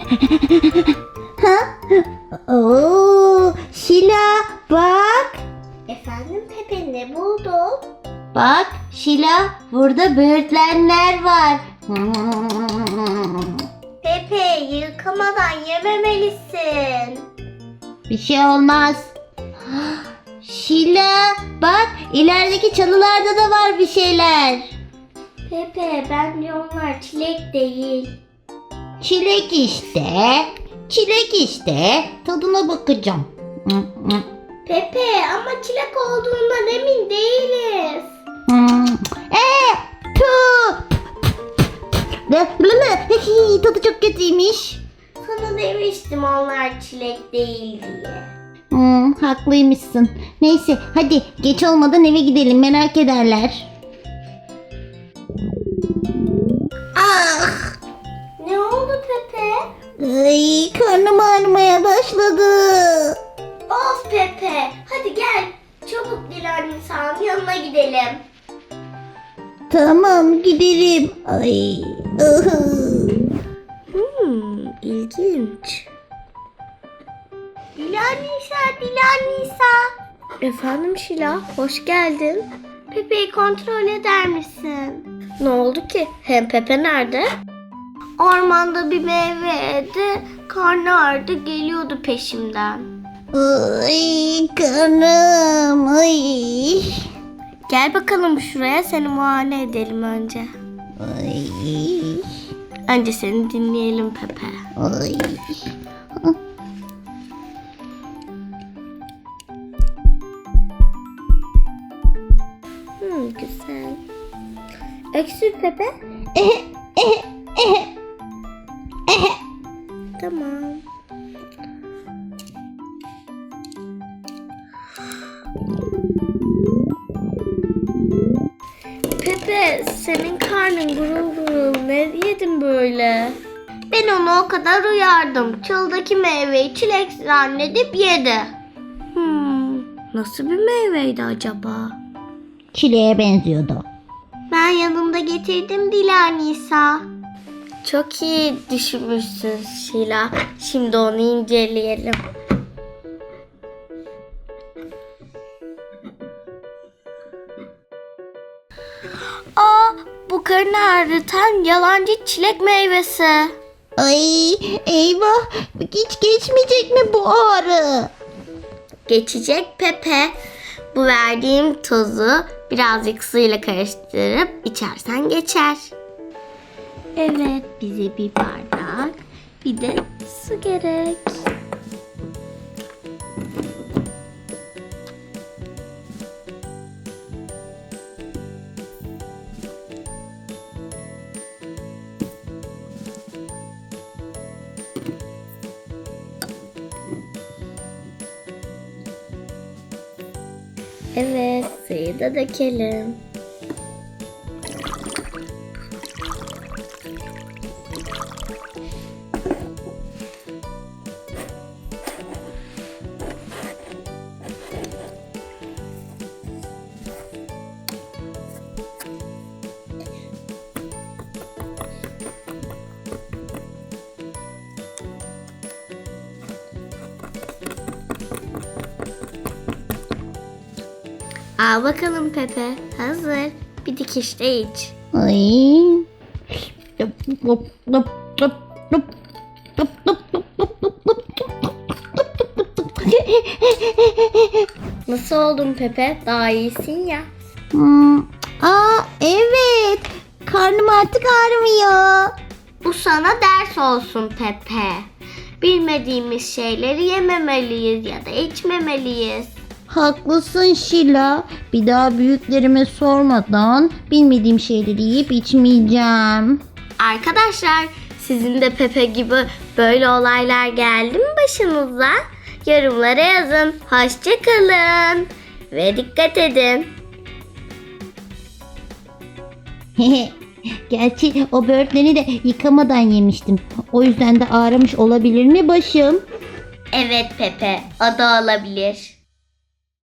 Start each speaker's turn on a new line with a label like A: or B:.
A: Ha? Oo, Şila bak.
B: Efendim Pepe, ne buldun?
A: Bak Şila, burada böğürtlenler var.
B: Pepe, yıkamadan yememelisin.
A: Bir şey olmaz. Şila bak, ilerideki çalılarda da var bir şeyler.
B: Pepe, bence onlar çilek değil.
A: Çilek işte. Çilek işte. Tadına bakacağım.
B: Pepe, ama çilek olduğundan emin değiliz.
A: Tüh. Tadı çok kötüymüş.
B: Sana demiştim onlar çilek değil diye.
A: Haklıymışsın. Neyse hadi geç olmadan eve gidelim, merak ederler. Ah!
B: Ne oldu Pepe?
A: Ay, karnım ağrımaya başladı.
B: Of Pepe, hadi gel. Çabuk Dilan Nisa'nın yanına gidelim.
A: Tamam giderim. Ay.
B: İlginç. Dilan Nisa. Efendim Şila, hoş geldin. Pepe'yi kontrol eder misin? Ne oldu ki? Hem Pepe nerede? Ormanda bir meyve yedi, karnı ağrıdı, geliyordu peşimden.
A: Ay karnım. Ay.
B: Gel bakalım şuraya, seni muayene edelim önce.
A: Ay.
B: Önce seni dinleyelim Pepe.
A: Ay.
B: Güzel. Öksür Pepe. Tamam. Pepe, senin karnın gurul gurul. Ne yedin böyle? Ben onu o kadar uyardım. Çöldeki meyveyi çilek zannedip yedi. Nasıl bir meyveydi acaba?
A: Çileğe benziyordu.
B: Ben yanımda getirdim Dilan Nisa. Çok iyi düşünmüşsün Şila. Şimdi onu inceleyelim. Bu karnı ağrıtan yalancı çilek meyvesi.
A: Ay eyvah, hiç geçmeyecek mi bu ağrı?
B: Geçecek Pepe. Bu verdiğim tozu birazcık suyla karıştırıp içersen geçer. Evet, bize bir bardak, bir de su gerek. Evet, suyu da dökelim. Al bakalım Pepe, hazır. Bir dikişte iç.
A: Ay.
B: Nasıl oldun Pepe? Daha iyisin ya.
A: Evet. Karnım artık ağrımıyor.
B: Bu sana ders olsun Pepe. Bilmediğimiz şeyleri yememeliyiz ya da içmemeliyiz.
A: Haklısın Şila. Bir daha büyüklerime sormadan bilmediğim şeyleri yiyip içmeyeceğim.
B: Arkadaşlar, sizin de Pepe gibi böyle olaylar geldi mi başınıza? Yorumlara yazın. Hoşça kalın ve dikkat edin.
A: Gerçi o böğürtleni de yıkamadan yemiştim. O yüzden de ağrımış olabilir mi başım?
B: Evet Pepe, o da olabilir.